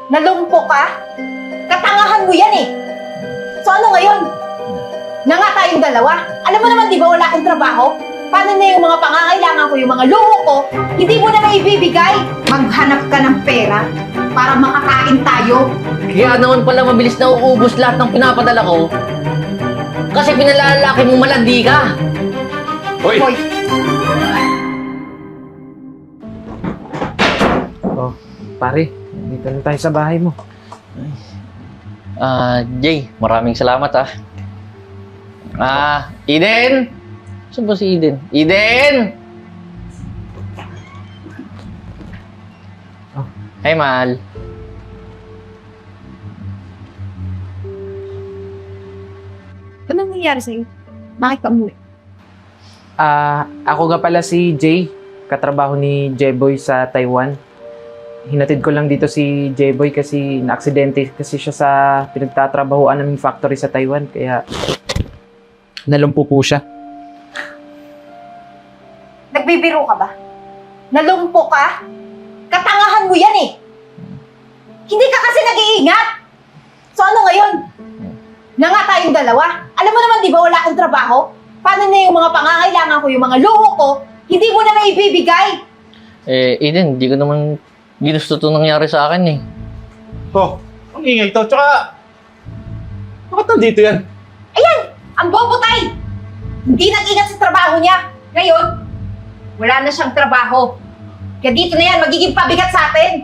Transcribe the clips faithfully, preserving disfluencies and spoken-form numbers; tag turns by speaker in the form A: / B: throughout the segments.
A: Nalumpo ka? Katangahan mo yan eh! So ano ngayon? Na nga tayong dalawa. Alam mo naman di ba wala akong trabaho? Paano na yung mga pangangailangan ko, yung mga luho ko, hindi mo na maibibigay? Maghanap ka ng pera para makakain tayo.
B: Kaya naman pala mabilis na uubos lahat ng pinapadala ko. Kasi pinalalaki mong malandi ka.
C: Hoy!
A: Hoy,
D: Oh, pare, dito na tayo sa bahay mo.
B: Ah, Jay, maraming salamat ah. Ah, Eden! Saan ba si Eden? Eden!
D: Oh.
B: Hey, mahal.
A: anong nangyayari sa'yo? Bakit ka umuwi?
D: Ah, ako nga pala si Jay, katrabaho ni Jeboy sa Taiwan. Hinatid ko lang dito si Jeboy kasi na-aksidente kasi siya sa pinagtatrabahoan naming factory sa Taiwan, kaya nalumpo po siya.
A: Nagbibiro ka ba? Nalumpo ka? Katangahan mo yan eh! Hindi ka kasi nag-iingat! So ano ngayon? Na nga tayong dalawa. Alam mo naman di ba wala akong trabaho? Paano na yung mga pangangailangan ko, yung mga luho ko, hindi mo na maibibigay?
B: Eh, Eden, di ko naman ginusto ito nangyari sa akin eh.
C: Oh, ang ingay to. Tsaka, bakit nandito yan?
A: Ayan! Ang bobo tay! Hindi nag-ingat sa trabaho niya. Ngayon, wala na siyang trabaho. Kaya dito na yan, magiging pabigat sa atin.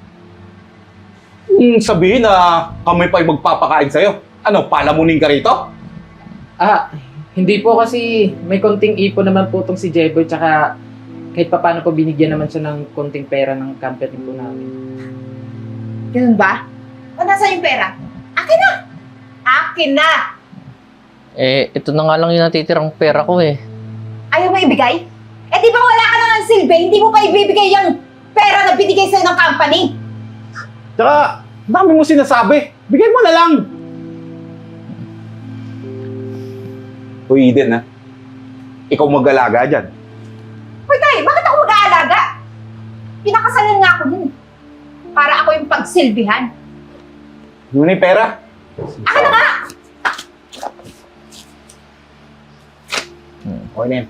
C: Hmm, sabihin na kami pa yung magpapakain sa'yo. Ano, palamunin ka rito?
D: Ah, hindi po kasi may konting ipon naman po itong si Jeboy, tsaka kahit pa paano po binigyan naman siya ng konting pera ng company po namin.
A: Ganun ba? O nasa yung pera? Akin na! Akin na!
B: Eh, ito na nga lang yung natitirang pera ko eh.
A: Ayaw mo ibigay? Eh di ba wala ka na ng silbi, hindi mo pa ibibigay yung pera na binigay sa'yo ng company?
C: Tsaka, dami mo sinasabi. Bigay mo na lang. Hoy, Eden, ha? Ikaw mag-alaga dyan.
A: Hoy tay, bakit ako mag-aalaga? Pinakasalan nga ako dun eh. Para ako yung pagsilbihan.
C: Ano na yung pera?
A: Akin na nga!
C: Hmm, okay na yan.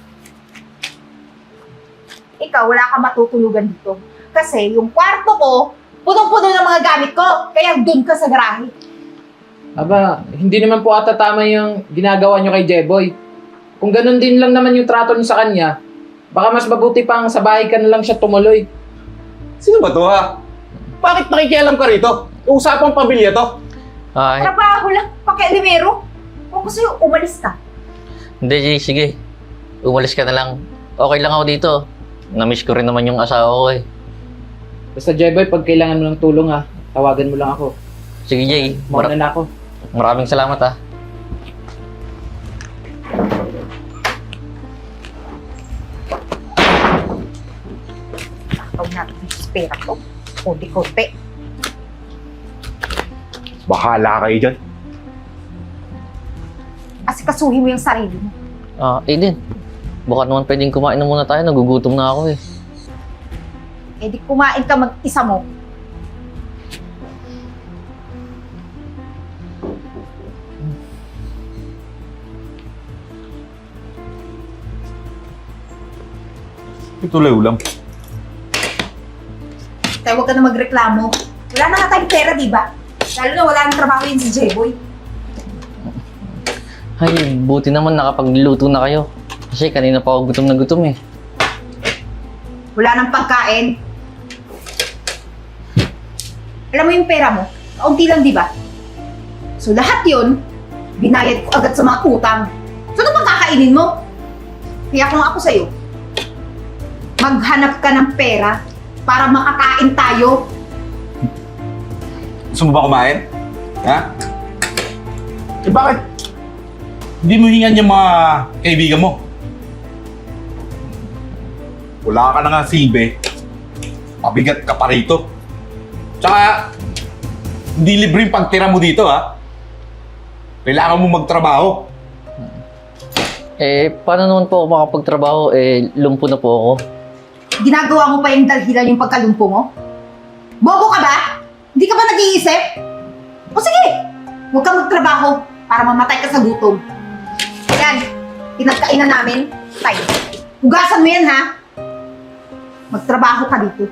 A: Ikaw, wala kang matutulugan dito. Kasi yung kwarto ko, punong-puno ng mga gamit ko. Kaya dun ka sa garahe.
D: Aba, hindi naman po ata tama yung ginagawa nyo kay Jeboy. Kung ganun din lang naman yung trato niyo sa kanya, baka mas mabuti pang sa bahay ka na lang siya tumuloy.
C: Sino ba to, ha? Bakit nakikialam ka rito? Usapang pamilya to.
B: Ay,
A: Trabaho lang, pakialimero. Kung gusto yung umalis ka.
B: hindi Jay, sige. Umalis ka na lang. Okay lang ako dito. Namiss ko rin naman yung asawa ko eh.
D: Basta Jeboy, pag kailangan mo ng tulong ha, tawagan mo lang ako.
B: Sige Jay,
D: Muna
B: mara-
D: na ako.
B: maraming salamat ah.
A: Tawag natin yung pera ko. Kunti-kunti.
C: Bahala kayo dyan.
A: Asikasuhin mo yung sarili mo.
B: Ah, Eden. Baka naman pwedeng kumain na muna tayo. Nagugutom na ako eh.
A: Eh di kumain ka mag-isa mo.
C: Ito lang ulam.
A: Kaya huwag ka na magreklamo. Wala na nga tayong pera, di ba? Lalo na wala nang trabaho yun si J-Boy.
B: Ay, buti naman nakapagluto na kayo. Kasi kanina pa ako gutom na gutom eh.
A: Wala nang pagkain. Alam mo yung pera mo, kaunti lang, di ba? So lahat yun, binayad ko agad sa mga utang. So ano bang kakainin mo? Kaya kung ako sa'yo, maghanap ka ng pera para makakain tayo.
C: Gusto mo ba kumain? Ha? Eh bakit? Hindi mo hingan yung mga kaibigan mo. Wala ka na nga silbi. Mabigat ka pa rito. Tsaka, hindi libre yung pagtira mo dito, ha? Kailangan mo magtrabaho.
B: Eh, paano naman po ako makapagtrabaho? Eh, lumpo na po ako.
A: Ginagawa mo pa yung dalhilan yung pagkalumpo mo? Bobo ka ba? Hindi ka mag-isip? O sige, huwag kang magtrabaho para mamatay ka sa gutom. Yan, pinagkainan namin. Tay, hugasan mo yan ha. Magtrabaho ka dito.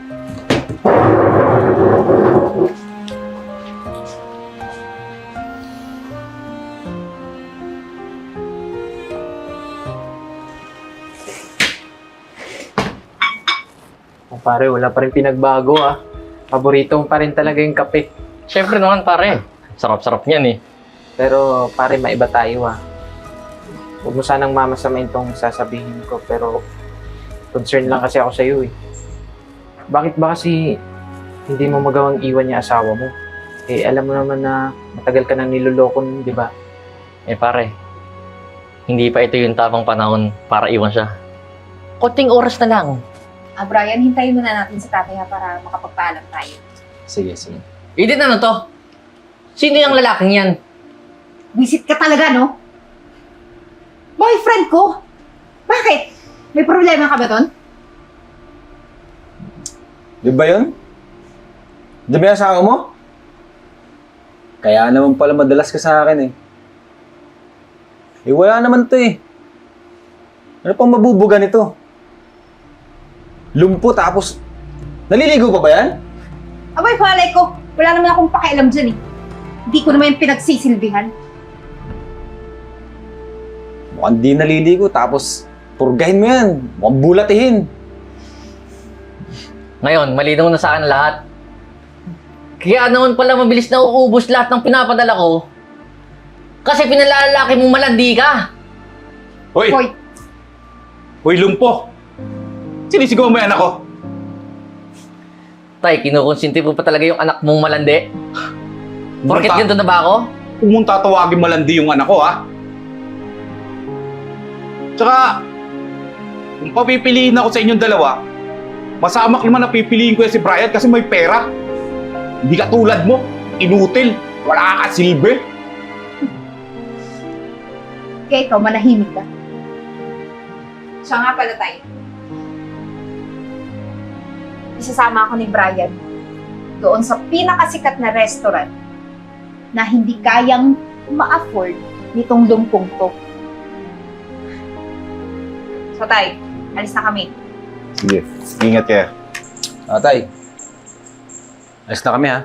D: Oh, pare, wala pa rin pinagbago ah. Paborito mo pa rin talaga yung kape.
B: Siyempre naman, pare. Sarap-sarap niyan eh.
D: Pero pare, maiba tayo ah. Huwag mo sanang mamasamain tong sasabihin ko, pero concern lang kasi ako sa iyo eh. Bakit ba kasi hindi mo magawang iwan niya asawa mo? Eh, alam mo naman na matagal ka nang niloloko nun, di ba?
B: Eh pare, hindi pa ito yung tamang panahon para iwan siya. Konting oras na lang.
A: Ah, Brian, hintayin muna natin si tatay ha para makapagpaalam tayo.
D: Sige, sige.
B: Eden, ano to? Sino yung lalaking yan?
A: Visit ka talaga, no? Boyfriend ko? Bakit? May problema ka ba doon?
E: Di ba yun? Di ba yung asawa mo? Kaya naman pala madalas ka sa akin eh. Eh wala naman to eh. Ano pang mabubuga nito? Lumpo tapos naliligo pa ba yan?
A: Abay, palay ko. Wala naman akong pakialam dyan eh. Hindi ko naman yung pinagsisilbihan.
E: Mukhang di naliligo tapos purgahin mo yan. Mukhang bulatihin.
B: Ngayon, malinaw na sa akin lahat. Kaya naman pala mabilis na uubos lahat ng pinapadala ko. Kasi pinalalaki mong malandi ka.
C: Hoy!
A: Hoy,
C: Hoy, lumpo! Sinisigaw mo yung anak ko?
B: Tay, kinukonsinti mo pa talaga yung anak mong malandi? Porket
C: Pumunta-
B: ganito na ba ako?
C: Kung mong tatawagin malandi yung anak ko, ha? Tsaka, kung papipiliin ako sa inyong dalawa, masamak naman na pipiliin ko yan si Brian kasi may pera. Hindi ka tulad mo, inutil, wala ka silbi.
A: kaya ikaw, manahimik ka. Siya nga pala tayo. Isasama ako ni Brian doon sa pinakasikat na restaurant na hindi kayang ma-afford nitong lumpong to. So, tay, alis na kami.
C: Sige, ingat kayo.
E: Tatay. Alis na kami ha.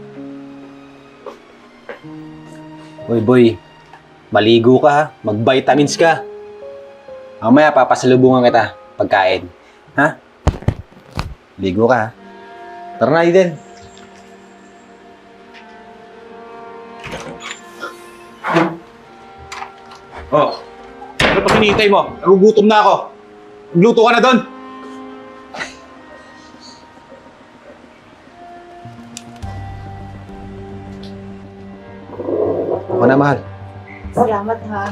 E: Hoy boy, maligo ka ha. Mag-vitamins ka. Mamaya papasalubungan kita pagkain. Ha? Ligo ka ha. Tara na, Eden.
C: Oh, ano pa hinihintay mo? Nagugutom na ako. Magluto ka na doon.
E: Ako na, mahal.
A: Salamat, ha.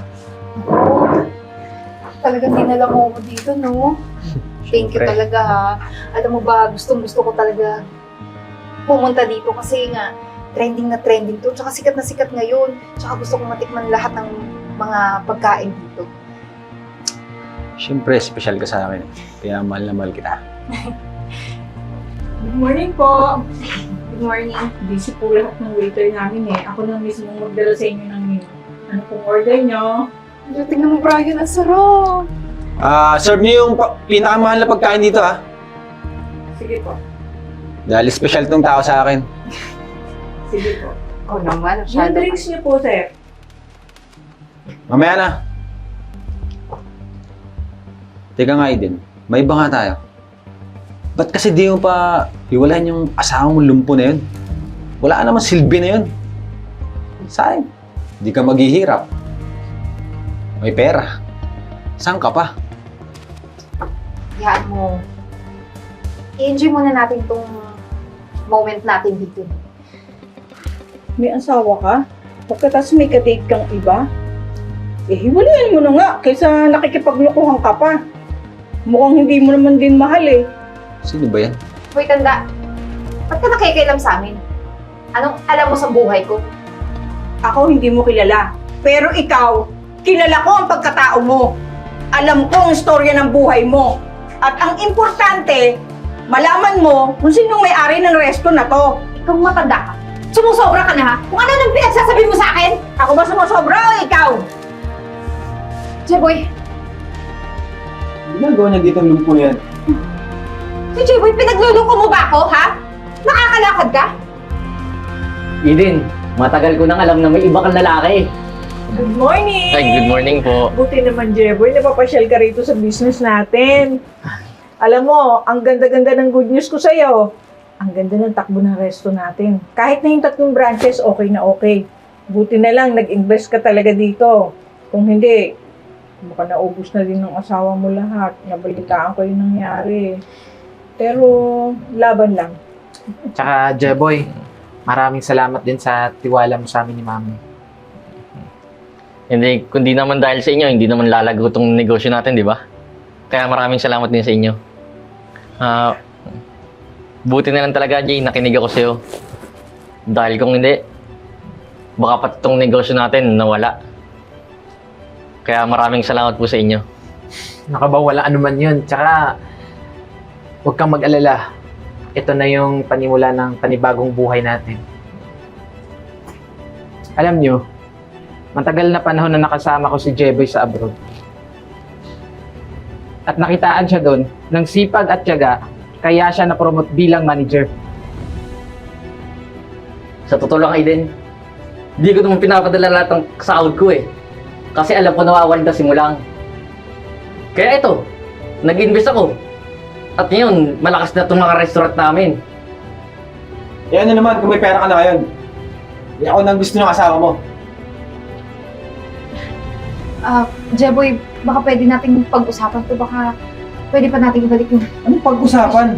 A: Talagang dinala mo ako dito, no? Thank you
D: Siyempre.
A: talaga, ha. Alam mo ba, gustong gusto ko talaga pumunta dito kasi nga, trending na trending to. Tsaka sikat na sikat ngayon. Tsaka gusto kong matikman lahat ng mga pagkain dito.
E: Siyempre, special ka sa akin. Kaya mahal na mahal kita.
F: Good morning po.
A: Good morning.
F: Busy po lahat ng waiter namin eh. Ako na mismo magdala sa inyo ng menu. Ano pong order nyo?
A: Tingnan mo, Brian, ang sarap.
E: Ah, serve niyo yung pa- pinakamahal na pagkain dito ha.
F: Sige po.
E: Dahil special tong tao sa akin.
F: Sige po.
A: Oo naman,
F: Yung
A: masyado.
F: drinks niyo po, sir.
E: Mamaya na. Teka nga, Eden. May iba nga tayo. Ba't kasi di mo pa iwalayan yung asawa mong lumpo na yun? Wala ka naman silbi na yun. Sayang. Di ka maghihirap. May pera. Saan ka pa?
A: Hayaan mo. I-enjoy muna natin tong moment natin dito.
F: May asawa ka? Pagkatapos may kadate kang iba? Eh, hiwalayan mo na nga kaysa nakikipaglokohan ka pa. Mukhang hindi mo naman din mahal eh.
E: Sino ba yan?
A: Hoy, tanda. Ba't ka nakikialam sa amin? Anong alam mo sa buhay ko?
F: Ako hindi mo kilala. Pero ikaw, kilala ko ang pagkatao mo. Alam ko ang istorya ng buhay mo. At ang importante, malaman mo kung sinong may-ari ng resto na to.
A: Ikaw matanda ka. Sumusobra ka na ha? Kung ano nang pinagsasabi mo sa akin?
F: Ako ba sumusobra o ikaw?
A: Jeboy,
E: Ginagawa niya dito ang lumpo na yan.
A: si Jeboy, pinagluloko mo ba ako, ha? Nakakalakad ka?
B: Eden, matagal ko nang alam na may iba kang lalaki.
F: Good morning!
B: Ay, good morning po.
F: Buti naman, Jeboy, napapasyal ka rito sa business natin. Alam mo, ang ganda-ganda ng good news ko sa'yo. Ang ganda ng takbo ng resto natin. Kahit na yung tatlong branches, okay na okay. Buti na lang, nag-invest ka talaga dito. Kung hindi, baka naubos na din ng asawa mo lahat. Nabalitaan ko yung nangyari. Pero, laban lang.
D: Tsaka, Jeboy, maraming salamat din sa tiwala mo sa amin ni Mami.
B: Hindi, kundi naman dahil sa inyo, hindi naman lalago tong negosyo natin, di ba? Kaya maraming salamat din sa inyo. Ah, buti na lang talaga, Jay, nakinig ako sa'yo. Dahil kung hindi, baka pati tong negosyo natin nawala. Kaya maraming salamat po sa inyo.
D: Nakabawala ano man yun. Tsaka, huwag kang mag-alala. Ito na yung panimula ng panibagong buhay natin. Alam nyo, matagal na panahon na nakasama ko si Jeboy sa abroad. At nakitaan siya doon ng sipag at tiyaga, kaya siya na-promote bilang manager.
B: Sa totoo lang, Aiden, hindi ko naman pinapadala lahat ng sahod ko eh. Kasi alam ko nawawalda simulang. Kaya ito, nag-invest ako. At ngayon, malakas na itong mga restaurant namin.
E: Eh ano naman, kung may pera ka na ngayon. Eh ako nang gusto ng asawa mo.
A: Ah, Jeboy, baka pwede nating pag-usapan to. Baka pwede pa nating ibalik yung...
E: Anong pag-usapan?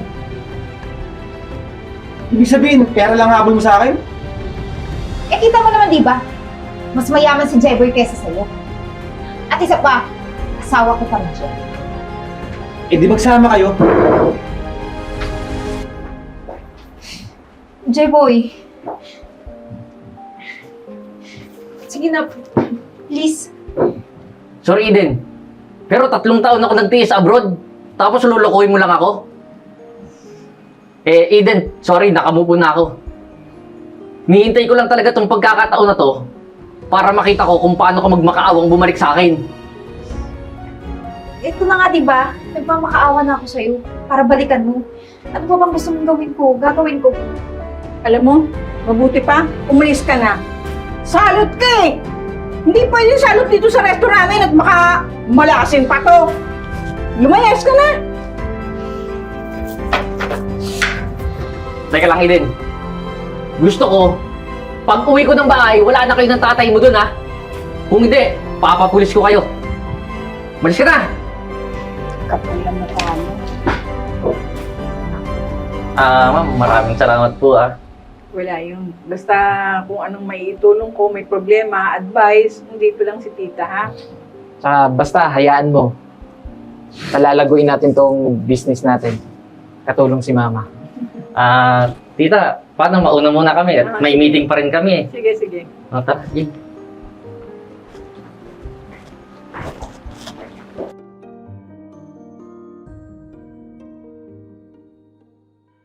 E: Ibig sabihin, pera lang habol mo sa akin?
A: Eh, kita mo naman, di ba? Mas mayaman si Jeboy kaysa sa'yo. At isa pa, asawa ko pa na siya.
E: Eh di magsama kayo.
A: Jeboy. Sige na, please.
B: Sorry, Eden. Pero tatlong taon ako nagtiis abroad. Tapos lulukuhin mo lang ako. Eh, Eden, sorry, nakamupo na ako. Nihintay ko lang talaga tong pagkakataon na to para makita ko kung paano ka magmakaawang bumalik sa akin.
A: Ito na nga, di ba? Nagmamakaawa na ako sa'yo para balikan mo. Ano ba bang gusto mong gawin ko? Gagawin ko.
F: Alam mo, mabuti pa, umalis ka na. Salot ka eh! Hindi pwede salot dito sa resto namin at baka malasin pa to. Lumayas ka na!
B: Teka lang, Eden. Gusto ko, pag uwi ko ng bahay, wala na kayo ng tatay mo dun, ha? Kung hindi, papapulis ko kayo. Malis ka na!
F: Kapal lang na tayo.
B: Ah, ma'am, maraming salamat po, ah.
F: Wala yun. Basta kung anong may itulong ko, may problema, advice, dito lang si tita, ha?
D: Tsaka, basta, hayaan mo. Palalaguin natin tong business natin. Katulong si Mama.
B: Ah, tita, paano mauna muna kami? At may meeting pa rin kami, eh.
F: Sige, sige.
B: O, tara, Jay.